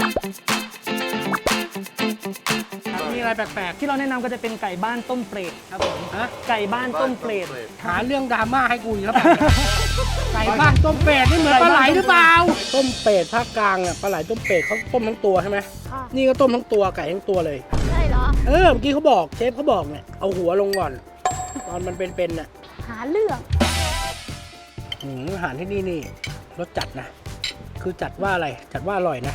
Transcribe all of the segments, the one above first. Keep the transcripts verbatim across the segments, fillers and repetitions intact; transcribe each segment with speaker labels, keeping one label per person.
Speaker 1: มีอะไรแปลกๆที่เราแนะนำก็จะเป็นไก่บ้านต้มเปรตครับผมฮะไก่บ้านต้มเปรตหาเรื่องดราม่าให้กูอีกแล้วไก่บ้านต้มเปรตนี่เหมือนปลาไหลหรือเปล่าต้มเปรตภาคกลางอ่ะปลาไหลต้มเปรตเขาต้มทั้งตัวใช่ไหมนี่ก็ต้มทั้งตัวไก่ทั้งตัวเลย
Speaker 2: ใช่เหรอ
Speaker 1: เออเมื่อกี้เขาบอกเชฟเขาบอกเนี่ยเอาหัวลงก่อนตอนมันเป็นๆน่ะ
Speaker 2: หาเรื่อง
Speaker 1: หืมอาหารที่นี่นี่รสจัดนะคือจัดว่าอะไรจัดว่าอร่อยนะ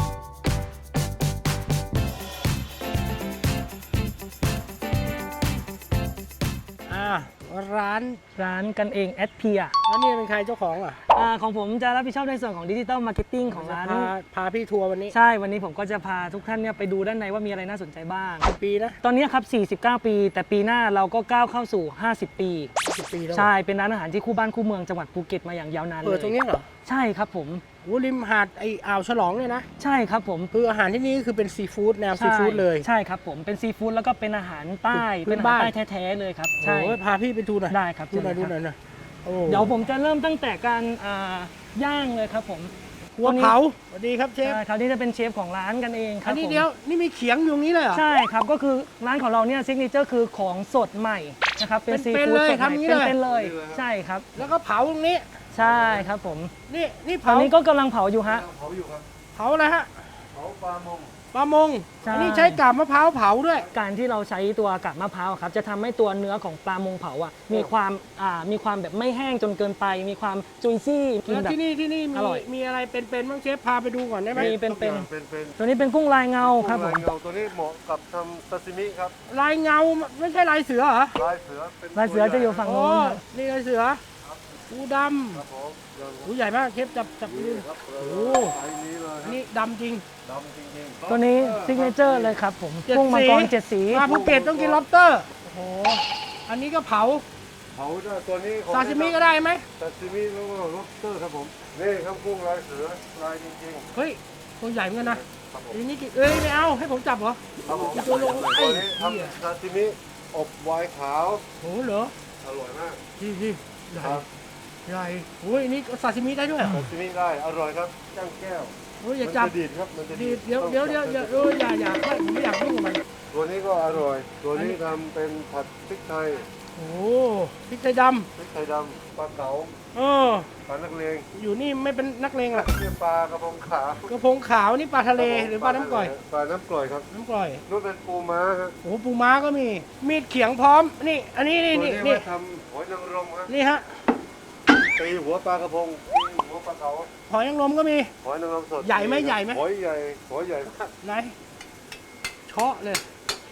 Speaker 1: ร้านร้านกันเองแอดเพียแล้วนี่เป็นใครเจ้าของอ่ะอ่าของผมจะรับผิดชอบในส่วนของดิจิตอลมาร์เก็ตติ้งของร้านพาพาพี่ทัวร์วันนี้ใช่วันนี้ผมก็จะพาทุกท่านเนี่ยไปดูด้านในว่ามีอะไรน่าสนใจบ้างปีนะตอนนี้ครับสี่สิบเก้าปีแต่ปีหน้าเราก็ก้าวเข้าสู่ห้าสิบปีสิบปีแล้วใช่เป็นร้านอาหารที่คู่บ้านคู่เมืองจังหวัดภูเก็ตมาอย่างยาวนานเลยเปิดตรงนี้เหรอใช่ครับผมโอ้ริมหาดไออ่าวฉลองเนี่ยนะใช่ครับผมคืออาหารที่นี่คือเป็นซีฟู้ดแนวซีฟู้ดเลยใช่ครับผมเป็นซีฟู้ดแล้วก็เป็นอาหารใต้เป็นอาหารใต้แท้ๆเลยครับใช่พาพี่ไปดูหน่อยได้ครับดูหน่อยดูหน่อยนะเดี๋ยวผมจะเริ่มตั้งแต่การย่างเลยครับผมหัวเผาสวัสดีครับเชฟคราวนี้จะเป็นเชฟของร้านกันเองครับอันนี้เดียวนี่มีเขียงอยู่นี้เลยเหรอใช่ครับก็คือร้านของเราเนี่ยซิกเนเจอร์คือของสดใหม่นะครับเป็นซีฟู้ดสดใหม่เป็นๆเลยใช่ครับแล้วก็เผาตรงนี้ใช่ครับผมนี่นี่เผาตอนนี้ก็กำลังเผาอยู่ฮะเผาอยู่ครับเผาอะไรฮะเผาปลามงปลามงอันนี้ใช้กาบมะพร้าวเผาด้วยการที่เราใช้ตัวกาบมะพร้าวครับจะทำให้ตัวเนื้อของปลามงเผาอ่ะมีความอ่ามีความแบบไม่แห้งจนเกินไปมีความจุยซี่แล้วที่นี่ที่นี่มีมีอะไรเป็นๆบ้างเชฟพาไปดูก่อนได้ไหมมีเป็นๆตัวนี้เป็นกุ้งลายเงาครับผม
Speaker 3: ตัวนี้เหมาะกับทำซาซิมิครับ
Speaker 1: ลายเงาไม่ใช่ลายเสือเหรอ
Speaker 3: ลายเสือเป็น
Speaker 1: ลายเสือจะอยู่ฝั่งโน้นนี่ลายเสือปูดำครับผมปูใหญ่มากเชฟจับจับดูโอ้อันนี้ดำจริงดำจริงๆตัวนี้ซิกเนเจอร์เลยครับผมกุ้งมังกรเจ็ดสีมาภูเก็ตต้องกินล็อบสเตอร์โอ้โหอันนี้ก็เผา
Speaker 3: เผาตัวนี้
Speaker 1: ซาซิมิก็ได้ไหม
Speaker 3: ซาซิมิแล้วก็ล็อบสเตอร์ครับผมนี่ครับกุ้งลายเสือลายจริง
Speaker 1: ๆเฮ้ยตัวใหญ่เหมือนกันนะอันนี้กี่เอ้ยไม่เอาให้ผมจับเหรอ
Speaker 3: ครับผมตัวลงตัวนี้ทำซาซิมิอบไวน์ขาว
Speaker 1: โอ้เหรอ
Speaker 3: อร่อยมาก
Speaker 1: ดีดีครับใหญ่โอ้ยนี่ซาซิมิได้ด้วย
Speaker 3: ซาซิมิได้อร่อยครับจ้างแก้ว
Speaker 1: โอ้ยอย่าจับ
Speaker 3: ดีดครับมันจะ
Speaker 1: ดีดเดี๋ยวเดี๋ยวเดี๋ยวเดี๋ยวเอออย่าอย่าผมไม่อยากยุ่งกับมัน
Speaker 3: ตัวนี้ก็อร่อยตัวนี้ทำเป็นผัดพริกไทย
Speaker 1: โอ้พริกไทยด
Speaker 3: ำพริกไทยดำปลาเก๋า
Speaker 1: เออ
Speaker 3: ปลานักเลง
Speaker 1: อยู่นี่ไม่เป็นนักเลงหรอก
Speaker 3: นี่ปลากระพงขาว
Speaker 1: กระพงขาวนี่ปลาทะเลหรือปลาน้ำกร่อย
Speaker 3: ปลาน้ำกร่อยครับ
Speaker 1: น้ำกร่อย
Speaker 3: นู่นเป็นปูม้าครับ
Speaker 1: โอ้ปูม้าก็มีมีดเขียงพร้อมนี่อันนี้นี่นี่
Speaker 3: นี่ทำหอยนางรมครับ
Speaker 1: นี่ฮะ
Speaker 3: ตีหัวปลากระพงตีหัวปลาเก๋า
Speaker 1: หอยนางรมก็มี
Speaker 3: หอยนางรมสด
Speaker 1: ใหญ่ไหมใหญ่ไหม
Speaker 3: หอยใหญ่หอยใหญ่มาก
Speaker 1: ไหนเชาะเลย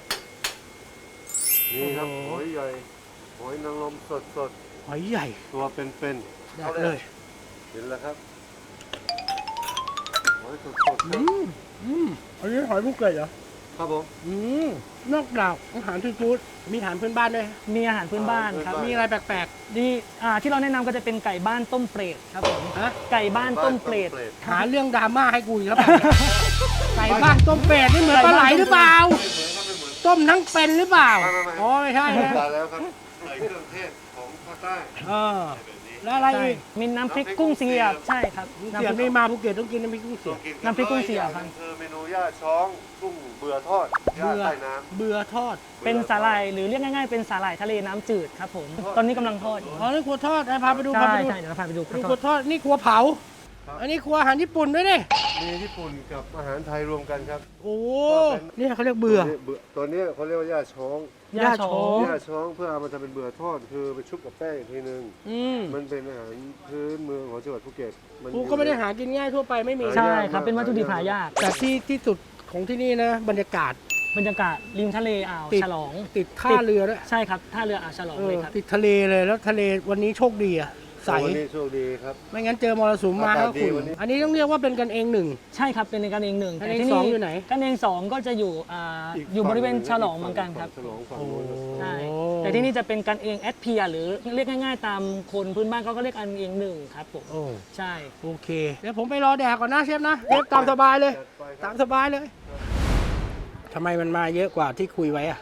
Speaker 3: นี่ครับหอยใหญ่หอยนางรมสดสด
Speaker 1: หอยใหญ่
Speaker 3: ตัวเป็น
Speaker 1: ๆได้เลย
Speaker 3: เห็นแล้วครับหอยสดสด
Speaker 1: อืมอืมอันนี้หอยภูเก็ตเหรอ
Speaker 3: ครับผม
Speaker 1: อืมนอกจากอาหารซีฟู้ดมีอาหารพื้นบ้านด้วยมีอาหารพื้นบ้านครับมีอะไรแปลกๆดีอ่าที่เราแนะนำก็จะเป็นไก่บ้านต้มเปรตครับผมฮะไก่บ้านต้มเปรตหาเรื่องดราม่าให้กูอีกแล้วไก่บ้านต้มเปรตนี่เหมือนปลาไหลหรือเปล่าต้มทั้งเป็นหรือเปล่าอ๋อไม่ใช่นะ
Speaker 3: ตายแล้วครับใส่เครื่องเทศของภาคใต้
Speaker 1: เออแล้วอะไรอีกมีน้ำพริกกุ้งเสียบใช่ครับน้ำพริกนี่มาภูเก็ตต้องกินน้ำพริกกุ้งเสียบน้ำพริกกุ้งเสียบครับ
Speaker 3: คือเมนูย่าช้องกุ้งเบื่อทอดย่าใต้น้
Speaker 1: ำเบื่อทอดเป็นสาหร่ายหรือเรียกง่ายๆเป็นสาหร่ายทะเลน้ำจืดครับผมตอนนี้กำลังทอดอ๋อนี่ครัวทอดพาไปดูพาไปดูใช่เดี๋ยวพาไปดูครัวทอดนี่ครัวเผาอันนี้ครัวอาหารญี่ปุ่นด้วยนี่
Speaker 3: มีญี่ปุ่นกับอาหารไทยรวมกันครับ
Speaker 1: โอ้นี่เขาเรียกเบื่อ
Speaker 3: ตัวนี้เขาเรียกว่าย่าช้อง
Speaker 1: ย่าช้อง
Speaker 3: ย่าช้องเพื่อเอามาทำเป็นเบื่อทอดคือไปชุบกับแป้งอีกทีนึงมันเป็นอาหารพื้นเมืองของจังหวัดภูเก็ต
Speaker 1: มันก็ไม่ได้หากินง่ายทั่วไปไม่มี
Speaker 2: ใช่ครับเป็นวัตถุดิบหายาก
Speaker 1: แต่ที่ที่สุดของที่นี่นะบรรยากาศ
Speaker 2: บรรยากาศริมทะเลอ่าวฉลอง
Speaker 1: ติดท่าเรือด้วย
Speaker 2: ใช่ครับท่าเรืออ่าวฉลองเลยครับ
Speaker 1: ติดทะเลเลยแล้วทะเลวันนี้โชคดีอะใส
Speaker 3: วันนี้โชคดีครับ
Speaker 1: ไม่งั้นเจอมรสุมมาก็คุณอันนี้ต้องเรียกว่าเป็นกันเองหนึ่ง
Speaker 2: ใช่ครับเป็นกันเองหนึ่ง
Speaker 1: แต่ที่นี่อยู่ไหน
Speaker 2: กันเองสองก็จะอยู่อ่าอยู่บริเวณฉลองเหมือนกันครับใช่แต่ที่นี่จะเป็นกันเองแอดเพียหรือเรียกง่ายๆตามคนพื้นบ้านเขาก็เรียกกันเองหนึ่งครับผมใช่
Speaker 1: โอเคเดี๋ยวผมไปรอแดกก่อนนะเชฟนะเชฟตามสบายเลยตามสบายเลยทำไมมันมาเยอะกว่าที่คุยไว้อะ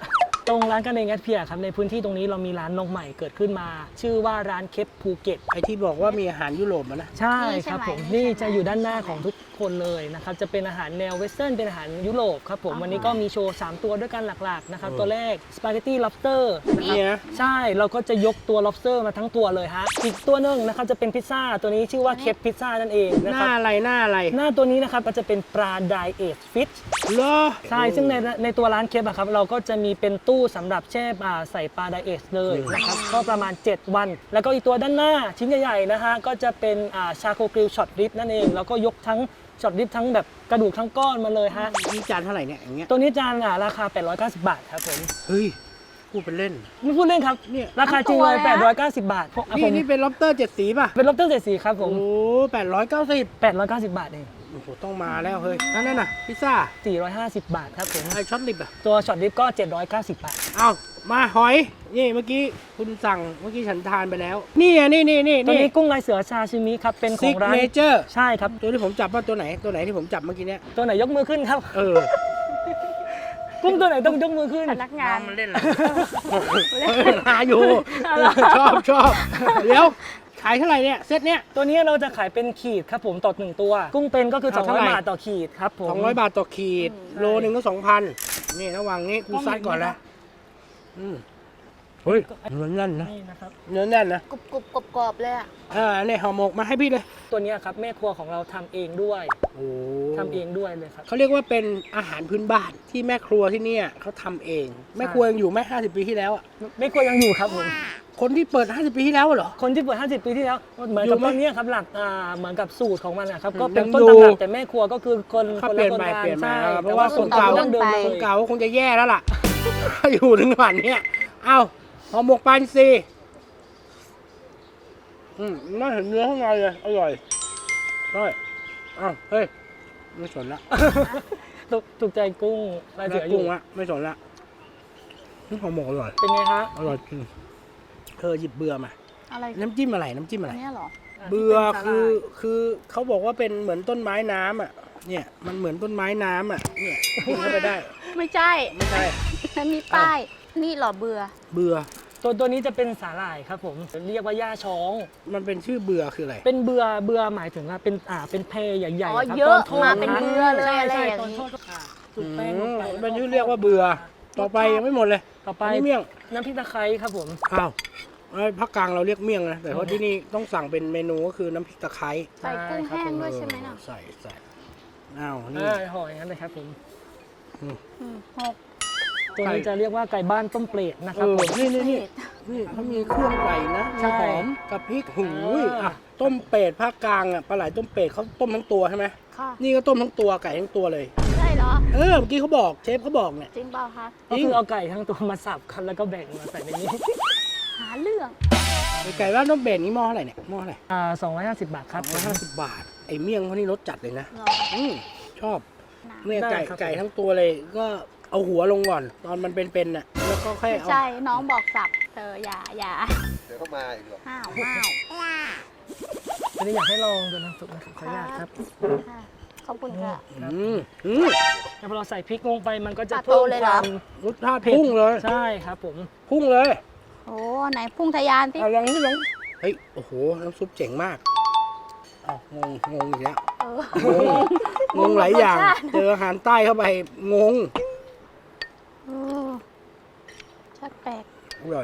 Speaker 2: ตรงร้านกันเองแอดเพียครับในพื้นที่ตรงนี้เรามีร้านนกใหม่เกิดขึ้นมา ชื่อว่าร้านเคปภูเก็ต
Speaker 1: ไอที่บอกว่ามีอาหารยุโรปอะนะ
Speaker 2: ใช่ครับผม
Speaker 4: นี่
Speaker 2: นี่
Speaker 4: ใช่ไหม
Speaker 2: จะอยู่ด้านหน้าของทุกคนเลยนะครับจะเป็นอาหารแนวเวสเทิร์นเป็นอาหารยุโรปครับผมวันนี้ก็มีโชว์สามตัวด้วยกันหลักๆนะครับตัวแรกสปาเกตตี้ lobster นะครับ
Speaker 1: นี่นะ
Speaker 2: ใช่เราก็จะยกตัว lobster มาทั้งตัวเลยฮะอีกตัวหนึงนะครับจะเป็นพิซซ่าตัวนี้ชื่อว่าเคปพิซซ่านั่นเองนะ
Speaker 1: ห
Speaker 2: ค
Speaker 1: น้า
Speaker 2: รับ
Speaker 1: อะไรหน้าอะไร
Speaker 2: หน้าตัวนี้นะครับก็จะเป็นปลาไดเอทฟิช
Speaker 1: เหรอ
Speaker 2: ใช่ซึ่งในในตัวร้านเคปอะครับเราก็จะมีเป็นตู้สำหรับแช่อ่าใส่ปลาไดเอทเลยนะครับก็ประมาณ เจ็ด วัน แล้วก็อีกตัวด้านหน้าชิ้นใหญ่ๆนะฮะก็จะเป็นชาโคกริลช็อตริบนั่นเองแล้วก็ยกทั้งช็อตริบทั้งแบบกระดูกทั้งก้อนมาเลยฮะ
Speaker 1: นี่จานเท่าไหร่เนี่ยอย่างเงี้ย
Speaker 2: ตัวนี้จานอ่ะราคา แปดร้อยเก้าสิบ บาทครับผม
Speaker 1: เฮ้ยพูดเป็นเล่น
Speaker 2: ไม่พูดเล่นครับ
Speaker 1: เนี่ย
Speaker 2: ราคาจริงเลย แปดร้อยเก้าสิบ บาทผมอ่ะผ
Speaker 1: นี่
Speaker 2: ม
Speaker 1: นี่เป็นล็อบสเตอร์เจ็ดสีป่ะ
Speaker 2: เป็นล็อบสเตอร์เจ็ดสีครับผ
Speaker 1: โอ้
Speaker 2: ม
Speaker 1: แปดร้อยเก้าสิบ
Speaker 2: แปดร้อยเก้าสิบ บาทเอง
Speaker 1: โอ้โหต้องมาแล้วเฮ้ยนั่นน่ะพิซซ่า
Speaker 2: สี่ร้อยห้าสิบ บาทครับผม
Speaker 1: ไอช็อตลิปอ่ะ
Speaker 2: ตัวช็อตริบก็ เจ็ดร้อยเก้าสิบ บาท
Speaker 1: เอามาหอยนี่เมื่อกี้คุณสั่งเมื่อกี้ฉันทานไปแล้ว นี่อ่ะนี่นี่นี่
Speaker 2: ตัว
Speaker 1: นี่
Speaker 2: นี้กุ้งลายเสือชาชิมิครับเป็นข
Speaker 1: ซิ
Speaker 2: อก งร้าน
Speaker 1: เนเจอร์
Speaker 2: ใช่ครับ
Speaker 1: ตัวที่ผมจับว่าตัวไหนตัวไหนที่ผมจับเมื่อกี้เนี้ย
Speaker 2: ตัวไหนยกมือขึ้นครับ
Speaker 1: เออ
Speaker 2: กุ้งตัวไหนต้องยกมือขึ้น
Speaker 4: พนักงาน
Speaker 1: มันเล่นอะไรหาอยู่ชอบชอบเดี๋ยวขายเท่าไหร่เนี่ยเซตเนี้ย
Speaker 2: ตัวนี้เราจะขายเป็นขีดครับผมต่อหนึ่งตัว กุ้งเป็นก็คือ
Speaker 1: เอา
Speaker 2: 200
Speaker 1: เท่าไหร่
Speaker 2: บาทต่อขีดครับผม
Speaker 1: สองร้อยบาทต่อขีด โลหนึ่งก็สองพันนี่ระหว่างนี้กูซัดก่อนละอืมเฮ้ยเนื้อแน่นนะ
Speaker 2: นี่นะครับ
Speaker 1: เนื้อแน่นนะ
Speaker 4: กรุบกรุบกรอบกรอบเลยอ่ะ
Speaker 1: อ่าเนี่ยห่อหมกมาให้พี่เลย
Speaker 2: ตัวเนี้ยครับแม่ครัวของเราทำเองด้วย
Speaker 1: โอ้
Speaker 2: ทำเองด้วยเลยครับ
Speaker 1: เขาเรียกว่าเป็นอาหารพื้นบ้านที่แม่ครัวที่เนี่ยเขาทำเอง แม่ครัวยังอยู่ไหมห้าสิบปีที่แล้วอ่ะ
Speaker 2: แม่ครัวยังอยู่ครับผม
Speaker 1: คนที่เปิดห้าสิบปีที่แล้วเหรอ
Speaker 2: คนที่เปิดห้าสิบ ปีที่แล้วเหมือน
Speaker 1: อยู่
Speaker 2: กับ
Speaker 1: ไหม
Speaker 2: ต้นเนี้ยครับหลักอ่าเหมือนกับสูตรของมันนะครับ
Speaker 1: อืม
Speaker 2: ก็เป็น
Speaker 1: ยัง
Speaker 2: ต้น
Speaker 1: อยู่
Speaker 2: ตำรับแต่แม่ครัวก็คือคน
Speaker 1: เขา
Speaker 2: คน
Speaker 1: เปลี่
Speaker 2: ละ
Speaker 1: ยน
Speaker 2: คน
Speaker 1: ไป
Speaker 2: กัน
Speaker 1: เปลี่ยนมา
Speaker 2: ใช่
Speaker 1: เพราะว่า
Speaker 2: แต่
Speaker 1: คนเก่า
Speaker 2: ดั้งเดิมเลย
Speaker 1: คนเก่าคงจะแย่แล้วล่ะ อยู่ถึงวันเนี้ยเอ้าห่อหมกปลาอินทรีอืมน่าเห็นเนื้อข้างในเลยอร่อยได้อ้าวเฮ้ยไม่สนละ
Speaker 2: ถูกถูกใจกุ้งลายเสื
Speaker 1: แล้
Speaker 2: อ
Speaker 1: ว
Speaker 2: อยู่
Speaker 1: กุ้งอะไม่สนละนี่ห่อหมกอร่อย
Speaker 2: เป็นไงฮะ
Speaker 1: อร่อยจริงเธอหยิบเบื่อมา
Speaker 4: อะไร
Speaker 1: น้ำจิ้มอะไรน้ำจิ้มอะไร
Speaker 4: อันเนี้ยเหรอ
Speaker 1: เบื่อคือคือเขาบอกว่าเป็นเหมือนต้นไม้น้ำอ่ะ เนี่ยมันเหมือนต้นไม้น้ำอ่ะ เนี่ยกินเข้าไปได้
Speaker 4: ไม่ใช่
Speaker 1: ไม่ใช่
Speaker 4: มันมีป้าย นี่เหรอเบื่อ
Speaker 1: เบื่อ
Speaker 2: ตัวตัวนี้จะเป็นสาหร่ายครับผมเรียกว่าย่าช้อง
Speaker 1: มันเป็นชื่อเบื่อคืออะไร
Speaker 2: เป็นเบือเบือหมายถึงว่าเป็นอ่าเป็นเพใหญ่
Speaker 4: อ๋อ
Speaker 2: ๆครับ
Speaker 4: เยอะ
Speaker 2: ตนทด
Speaker 4: มาเป็นเบือเลย
Speaker 2: ใช่
Speaker 4: อะไร
Speaker 2: ใช่
Speaker 4: อย่าง
Speaker 2: ตอน
Speaker 4: นี้
Speaker 2: ทอดก็อ่าจุดแป้งลงไป
Speaker 1: อืมเป็นชื่อเรียกว่าเบื่อ ต่อไปยังไม่หมดเลย
Speaker 2: ต่อไป
Speaker 1: อันนี้เมี่ยง
Speaker 2: น้ำพริกตะไคร้ครับผม
Speaker 1: อ้าวเอ้ยภาคกลางเราเรียกเมี่ยงนะ แต่ว่าที่นี่ต้องสั่งเป็นเมนูก็คือน้ำพริกตะไคร้
Speaker 4: ใส่กุ้งแห้งด้วยใช่ไหมน่ะ
Speaker 1: ใส่ใส่อ้าวนี่
Speaker 2: อ่าห่ออย่างนั้นเลยครับผม
Speaker 4: อืมหก
Speaker 2: ตัวนี้จะเรียกว่าไก่บ้านต้มเปรตนะค
Speaker 1: เอ
Speaker 2: รับ
Speaker 1: อ
Speaker 2: ผม
Speaker 1: นี่นี่นี่นี่เขามีเครื่องไก่นะ
Speaker 2: ใช่
Speaker 1: หอมกับพริกหูย
Speaker 2: อ่า
Speaker 1: อ่ะต้มเป็ดภาคกลางอ่ะปลาไหลต้มเป็ดเขาต้มทั้งตัวใช่ไหม
Speaker 4: ค่ะ
Speaker 1: นี่ก็ต้มทั้งตัวไก่ทั้งตัวเลย
Speaker 4: ใช่เหรอ
Speaker 1: เออเมื่อกี้เขาบอกเชฟเขาบอกเนี่ย
Speaker 4: จริงเปล่าคะ
Speaker 2: ก็คือเอาไก่ทั้งตัวมาสับครับแล้วก็แบ่งมาใส่ในนี้
Speaker 4: หาเรื่อง
Speaker 1: ไก่บ้านต้มเป็ดนี่หม้อเท่าไหร่เนี่ยหม้อเท่าไหร่
Speaker 2: อ่าสองร้อยห้าสิบบาทครับ
Speaker 1: ร้อยห้าสิบบาทไอ้เมี่ยงเขานี่รสจัดเลยนะ
Speaker 4: เหรอ
Speaker 1: อืมชอบ
Speaker 4: หนา
Speaker 1: เนี่ย
Speaker 2: ได้
Speaker 1: ไก่
Speaker 2: ครับ
Speaker 1: ไก่ทั้งตัวเลยก็เอาหัวลงก่อน ตอนมันเป็นๆน่ะแล้วก็แค่
Speaker 4: ไม่
Speaker 1: เอา
Speaker 4: ใช่ น้องบอกสับเธออย่าอย่า
Speaker 3: เดี๋ยวก็มาอีกหรอก
Speaker 4: ห้าวห้าว
Speaker 2: อันนี้อยากให้ลองดูน้ำซุปนะครับขออนุญาตครับ
Speaker 4: ค่ะขอบคุณค่ะ
Speaker 1: อืมอืม
Speaker 2: แล้วพอเราใส่พริกลงไปมันก็จะ
Speaker 4: ตัด
Speaker 2: เพิ่ม
Speaker 4: โตเลย
Speaker 2: ค
Speaker 4: เหรอ
Speaker 2: วาม
Speaker 1: รสชาติพุ่งเลย
Speaker 2: ใช่ครับผม
Speaker 1: พุ่งเลย
Speaker 4: โอ้ไหนพุ่งทะยานสิ
Speaker 1: เอาลองนี่ลองเฮ้ยโอ้โหน้ำซุปเจ๋งมากอ้าวงงงงอีกแล้ว
Speaker 4: เออง
Speaker 1: งงหลายอย่าง
Speaker 4: รสชาติ
Speaker 1: เจออาหารใต้เข้าไปงง
Speaker 4: เออชักแปลก
Speaker 1: อร่อย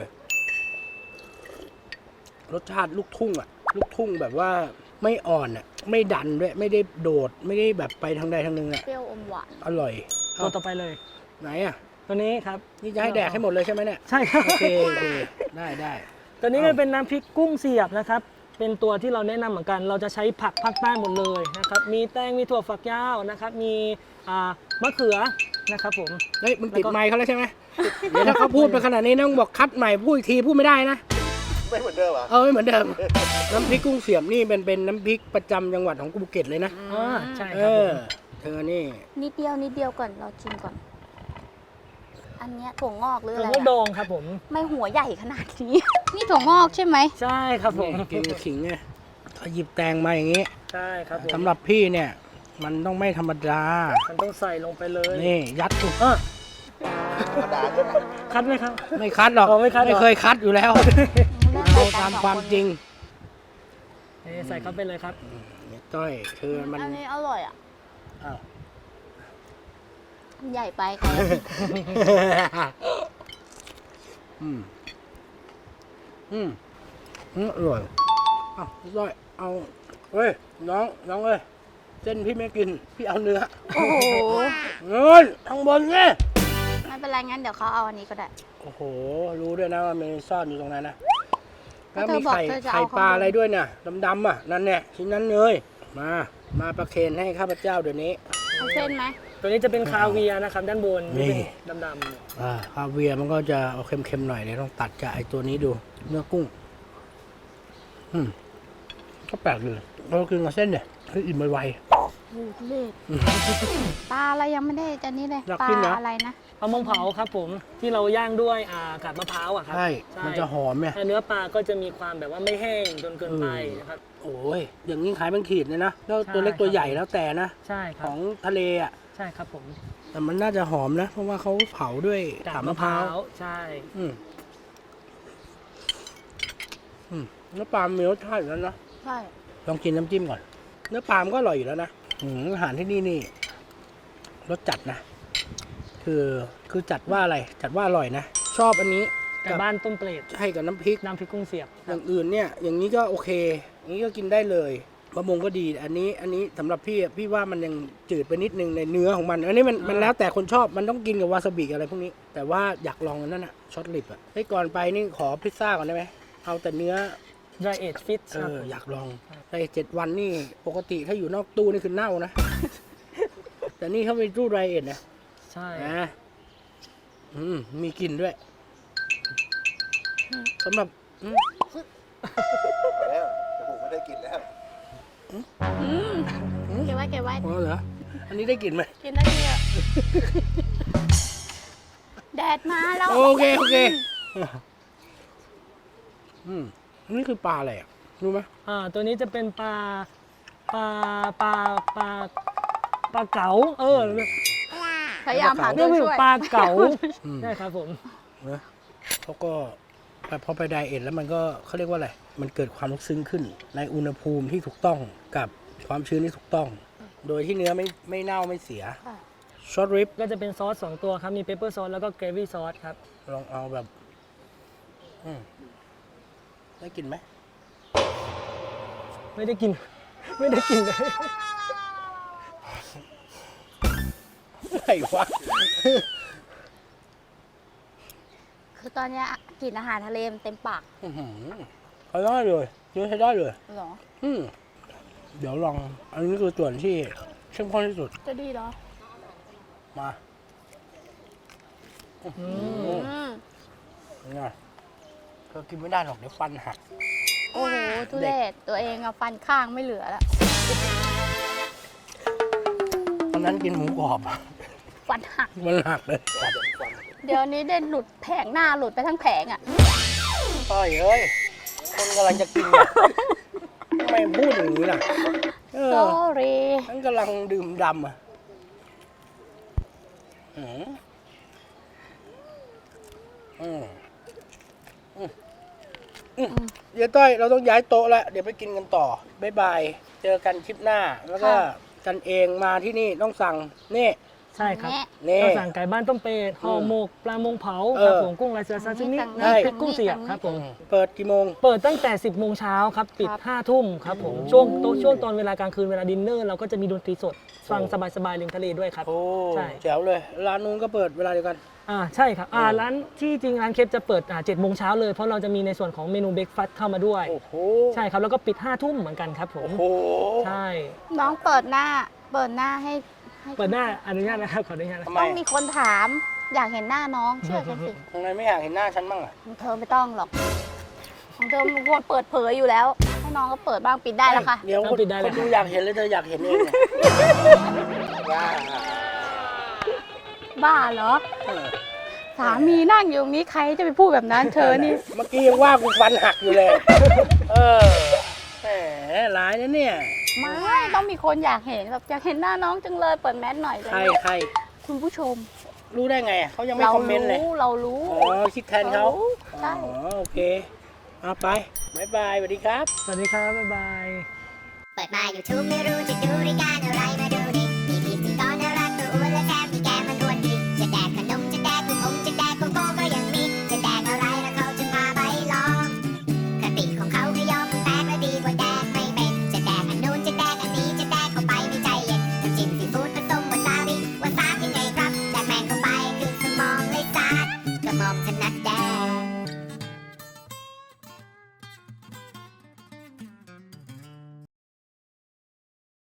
Speaker 1: รสชาติลูกทุ่งอ่ะ ลูกทุ่งแบบว่าไม่อ่อนอ่ะ ไม่ดันด้วย ไม่ได้โดด ไม่ได้แบบไปทางใดทางหนึ่งอ่ะ
Speaker 4: เปรี้ยวอมหวาน
Speaker 1: อร่อย
Speaker 2: ตัว
Speaker 1: เอ้า
Speaker 2: ต่อไปเลย
Speaker 1: ไหนอ่ะ
Speaker 2: ตัวนี้ครับ
Speaker 1: นี่จะให้แดกให้หมดเลยใช่ไหมเนี่ย
Speaker 2: ใช่ครับ
Speaker 1: โอเคโอเคได้ได้
Speaker 2: ตัวนี้
Speaker 1: เอ้า
Speaker 2: ก็เป็นน้ำพริกกุ้งเสียบนะครับ เป็นตัวที่เราแนะนำเหมือนกัน เราจะใช้ผักภาคใต้หมดเลยนะครับ มีแตง มีถั่วฝักยาวนะครับ มีอ่ามะเขือนะครับผม
Speaker 1: เฮ้ยมึงติด
Speaker 2: แล้วก็
Speaker 1: ไมค์เขาแล้วใช่ไหมเดี๋ยวถ้าเขาพูดไปขนาดนี้นะมึงบอกคัดใหม่พูดอีกทีพูดไม่ได้นะ
Speaker 3: ไม่เหมือนเดิมเหรอ่ะ
Speaker 1: เออไม่เหมือนเดิม น้ำพริกกุ้งเสียบนี่เป็นเป็นน้ำพริกประจำจังหวัดของภูเก็ตเลยนะ
Speaker 2: อ่าใช่
Speaker 1: เอ
Speaker 2: ครับผ
Speaker 1: อ
Speaker 2: ม
Speaker 1: เธอนี่
Speaker 4: นิดเดียวนิดเดียวก่อนเราชิมก่อน อันเนี้ยถั่วงอกหรือ
Speaker 2: ถั่
Speaker 4: อะ
Speaker 2: ว
Speaker 4: ไร
Speaker 2: งอกด
Speaker 4: อะ
Speaker 2: องครับผม
Speaker 4: ไม่หัวใหญ่ขนาดนี้ นี่ถั่วงอกใช่ไหม
Speaker 2: ใช่ครับผม
Speaker 1: นี่กินขิงไงถ้าหยิบแตงมาอย่างนี้
Speaker 2: ใช่ครับผม
Speaker 1: สำหรับพี่เนี่ย มันต้องไม่ธรรมดา
Speaker 2: มันต้องใส่ลงไปเลย
Speaker 1: นี่ยัดถูก
Speaker 2: อ่ะ
Speaker 1: คัดไหมครับ
Speaker 5: ไม่คัดหรอก
Speaker 1: อ๋อไม่คัดเหรอ
Speaker 5: ไม่เคยคัดอยู่แล้ว เอาตามความจริง
Speaker 1: นี่ใส่เข้าไปเลยครับ
Speaker 5: เนี่ยต้อยคือมัน
Speaker 4: อันนี้อร่อยอ่ะ
Speaker 5: อ้าว
Speaker 4: ใหญ่ไปใคร
Speaker 5: อืมอืมอืมอร่อยอ้าวต้อยเอาเฮ้ยน้องน้องเอ้ยเส้นพี่ไม่กินพี่เอาเนื้อ
Speaker 4: โอ้โห
Speaker 5: เงินข้างบนเนี่ย
Speaker 4: ไม่เป็นไรงั้นเดี๋ยวเขาเอาอันนี้ก็ได้
Speaker 5: โอ้โห รู้ด้วยนะว่ามันซ่อนอยู่ตรงนั้นนะ
Speaker 4: ก็
Speaker 5: แล้ว
Speaker 4: เธอ
Speaker 5: มี
Speaker 4: บอก
Speaker 5: ไข่
Speaker 4: เธอจะเอา
Speaker 5: ไข่ปลา
Speaker 4: ข้างบน
Speaker 5: อะไรด้วยเนี่ยดำๆอ่ะ นั่นเนี่ยชิ้นนั้นเลยมา มาประเคนให้ข้าพเจ้าเดี๋ยวนี้
Speaker 4: เอาเส้นไหม
Speaker 1: ตัวนี้จะเป็นคาเวียร์นะครับ ด้านบน
Speaker 5: นี่
Speaker 1: ที่เป็นดำ
Speaker 5: อ่าคาเวียร์มันก็จะเอาเค็มๆหน่อยเดี๋ยวต้องตัดกับไอ้ตัวนี้ดู เนื้อกุ้ง อืมก็แปลกเลยเรากินกับเส้นเนี่ยคืออิ่มไว
Speaker 4: โอ้โหเล็ปลาอะไรยังไม่ได้จะนี่เลย
Speaker 5: อยาก
Speaker 4: ปลา
Speaker 5: กินเหรออ
Speaker 4: อะไรนะ
Speaker 1: ๆปลามงเผาครับผมที่เราย่างด้วยอ่ากาบมะพร้าวอะค
Speaker 5: ๆ
Speaker 1: รับ
Speaker 5: ใช่ มันจะหอมเนี่ย
Speaker 1: แต่เนื้อปลาก็จะมีความแบบว่าไม่แห้งจนเกินไปนะครับ
Speaker 5: โอ้ย อย่างนี้ขายเป็นขีดเลยนะ แล้ว
Speaker 1: ใช่
Speaker 5: ตัวเล็กตัวใหญ่แล้วแต่นะ
Speaker 1: ใช่ค
Speaker 5: ข
Speaker 1: รับ
Speaker 5: องทะเลอ่ะ
Speaker 1: ใช่ครับผม
Speaker 5: แต่มันน่าจะหอมนะ เพราะว่าเขาเผาด้วย
Speaker 1: กาบ
Speaker 5: กาบ
Speaker 1: มะ
Speaker 5: มะ
Speaker 1: พ
Speaker 5: พ
Speaker 1: ร้า
Speaker 5: ร้าว
Speaker 1: วใช่
Speaker 5: อืมอืมเนื้อปลามีรสชาติอยู่แล้วนะ
Speaker 4: ใช่
Speaker 5: ลองกินน้ำจิ้มก่อน เนื้อปลามันก็อร่อยอยู่แล้วนะอืมอาหารที่นี่นี่รสจัดนะ คือคือจัดว่าอะไร จัดว่าอร่อยนะ ชอบอันนี้
Speaker 1: ไก่บ้านต้มเปรต
Speaker 5: ให้กับน้ำพริก
Speaker 1: น้ำพริกกุ้งเสียบ
Speaker 5: อย่างอื่นเนี่ย อย่างนี้ก็โอเค อย่างนี้ก็กินได้เลยบะมงก็ดี อันนี้ อันนี้สำหรับพี่อะพี่ว่ามันยังจืดไปนิดนึงในเนื้อของมัน อันนี้มันมันแล้วแต่คนชอบ มันต้องกินกับวาซาบิอะไรพวกนี้ แต่ว่าอยากลองอันนั้นอะช็อตลิปอะเฮ้ยก่อนไปนี่ขอพิซซ่าก่อนได้ไหม เอาแต่เนื้อ
Speaker 1: dry age fish
Speaker 5: เอ
Speaker 1: ครับ
Speaker 5: ออยากลองแต่เจ็ดวันนี่ปกติถ้าอยู่นอกตู้นี่คือเน่านะ แต่นี่เขาเป็นตู้ไรเอ็ดนะ
Speaker 1: ใช่
Speaker 5: นะอืมมีกลิ่นด้วยสำหรับอืม
Speaker 3: แล้วจมูกไม่ได้กลินแล้ว
Speaker 4: เก็บไว้เก็บไว้
Speaker 5: อ๋อเหรออันนี้ได้กลิ่นไหม
Speaker 4: กินได้ดีอ่ะแดดมาแล้ว
Speaker 5: โอเคโอเคอืมอันนี้คือปลาอะไรอ่ะรู้ไหม
Speaker 1: อ่าตัวนี้จะเป็นปลาปลาปลาปลาปลาเก๋าเออ
Speaker 4: พยายามหา
Speaker 1: เรี
Speaker 4: ตั
Speaker 1: ยก
Speaker 4: ว
Speaker 1: ว่า
Speaker 4: ช่วย
Speaker 1: ปลาเก๋า
Speaker 5: อืม
Speaker 1: ใช่ครับผม
Speaker 5: นะเขาก็แต่พอไปไดเอทแล้วมันก็เขาเรียกว่าอะไรมันเกิดความลึกซึ้งขึ้น ในอุณหภูมิที่ถูกต้องกับความชื้นที่ถูกต้อง โดยที่เนื้อไม่ไม่เน่าไม่เสีย
Speaker 4: ค่ะ
Speaker 5: ช็อตริป
Speaker 1: ก็จะเป็นซอสสองตัวครับ มีเปปเปอร์ซอสแล้วก็เกรวี่ซอสครับ
Speaker 5: ลองเอาแบบอืมได้กลินไหม
Speaker 1: ไม่ได้กิน ไม่ได้กินเลย
Speaker 5: ไหนวะ
Speaker 4: คือตอนเนี้ยกลิ่นอาหารทะเลมันเต็มปาก
Speaker 5: อื้อหือใช้ได้เลยเยอะใช้ได้เลย
Speaker 4: เหรอ
Speaker 5: อืมเดี๋ยวลอง อันนี้คือส่วนที่เข้มข้นที่สุด
Speaker 4: จะดีเหรอ
Speaker 5: มา
Speaker 1: อืม
Speaker 4: อืม
Speaker 5: ไงเธอกินไม่ได้หรอกเดี๋ยวฟันหัก
Speaker 4: โอ้โหทุเรศตัวเองอะฟันข้างไม่เหลือแล้ว
Speaker 5: ตอนนั้นกินหมูกรอบ
Speaker 4: ฟันหัก
Speaker 5: มันหักเลย
Speaker 4: เดี๋ยวนี้ได้หลุดแผงหน้าหลุดไปทั้งแผงอะ
Speaker 5: ต้อยเอ้ย คนกำลังจะกินเนี่ยทำไมพูดอย่างนี้ล่ะ เออ
Speaker 4: sorry
Speaker 5: ฉันกำลังดื่มดำอ่ะอืมอืมอืมอืมเดี๋ยวต้อย เราต้องย้ายโต๊ะแล้ว เดี๋ยวไปกินกันต่อ บ๊ายบาย เจอกันคลิปหน้า แล้วก็
Speaker 4: ค่ะ
Speaker 5: กันเองมาที่นี่ต้องสั่ง นี่
Speaker 1: ใช่ครับ
Speaker 4: แม่
Speaker 5: นี่
Speaker 1: ก็สั่งไก่บ้านต้มเป็ดห่อหมกปลามงเผา
Speaker 5: เอ
Speaker 1: ครับ
Speaker 5: อ
Speaker 1: ผมกุ้งลายเสือซาซิมิ
Speaker 4: สั่ง
Speaker 1: น้ำพริก
Speaker 4: นี่
Speaker 1: กุ้งเสียบ
Speaker 4: สั่งนี่
Speaker 1: ครับผม
Speaker 5: เปิดกี่โมง
Speaker 1: เปิดตั้งแต่ สิบโมงเช้าครับ ปิด
Speaker 4: ครับ
Speaker 1: ห้าทุ่มครับผม ช่วงโตช่วงตอนเวลากลางคืนเวลาดินเนอร์เราก็จะมีดนตรีสด ฟังสบายๆริมทะเลด้วยครับ
Speaker 5: โอ้
Speaker 1: ใช่
Speaker 5: แจ๋วเลย ร้านนู้นก็เปิดเวลาเดียวกัน
Speaker 1: อ่าใช่ครับอ่า
Speaker 5: เออ
Speaker 1: ร้านที่จริงร้านเคปจะเปิดอ่าเจ็ดโมงเช้าเลย เพราะเราจะมีในส่วนของเมนูเบรกฟาสต์เข้ามาด้วย
Speaker 5: โอ้โห
Speaker 1: ใช่ครับ แล้วก็ปิดห้าทุ่มเหมือนกันครับผม
Speaker 5: โอ้โห
Speaker 1: ใช่
Speaker 4: น้องเปิดหน้า เปิดหน้าให้ให้
Speaker 1: เปิดหน้าอนุญาตนะครับขออนุญาตนะ
Speaker 5: ทำไม
Speaker 4: ต้องมีคนถาม อยากเห็นหน้าน้องเชื่อฉันสิ
Speaker 5: ทำไมไม่อยากเห็นหน้าฉันบ้างอ่ะ
Speaker 4: ของเธอไม่ต้องหรอก ของเธอมันควรเปิดเผยอยู่แล้ว ให้น้องก็เปิดบ้างปิดได้แล้วค่ะ
Speaker 5: เดี๋ยว
Speaker 1: เอา
Speaker 5: คน
Speaker 1: ปิดได้เลย
Speaker 5: คนดูอยากเห็นเลยเธออยากเห็นเองเนี่ยว้า
Speaker 4: บ้าเหรอ
Speaker 5: เออ
Speaker 4: สามีนั่งอยู่ตรงนี้ใครจะไปพูดแบบนั้นเธอนี่
Speaker 5: เมื่อกี้ยังว่ากูฟันหักอยู่เลย เออแหมร้ายนะเนี่ย
Speaker 4: ไม่ต้องมีคนอยากเห็นแบบอยากเห็นหน้าน้องจังเลยเปิดแมสหน่อยเล
Speaker 5: ใคร
Speaker 4: ย
Speaker 5: ใคร
Speaker 4: คุณผู้ชม
Speaker 5: รู้ได้ไงอะเขายังไม่
Speaker 4: เรา
Speaker 5: คอมเมนต์เลย
Speaker 4: รู้เรารู้
Speaker 5: อ๋อคิดแทนเขา
Speaker 4: รรู้ใช่
Speaker 5: อ๋อโอเคเอาไปบายบายสวัสดีครับ
Speaker 2: สวัสดีครับ บ๊ายบาย
Speaker 6: เปิดมา YouTube ไม่รู้จะดูรายการอะไร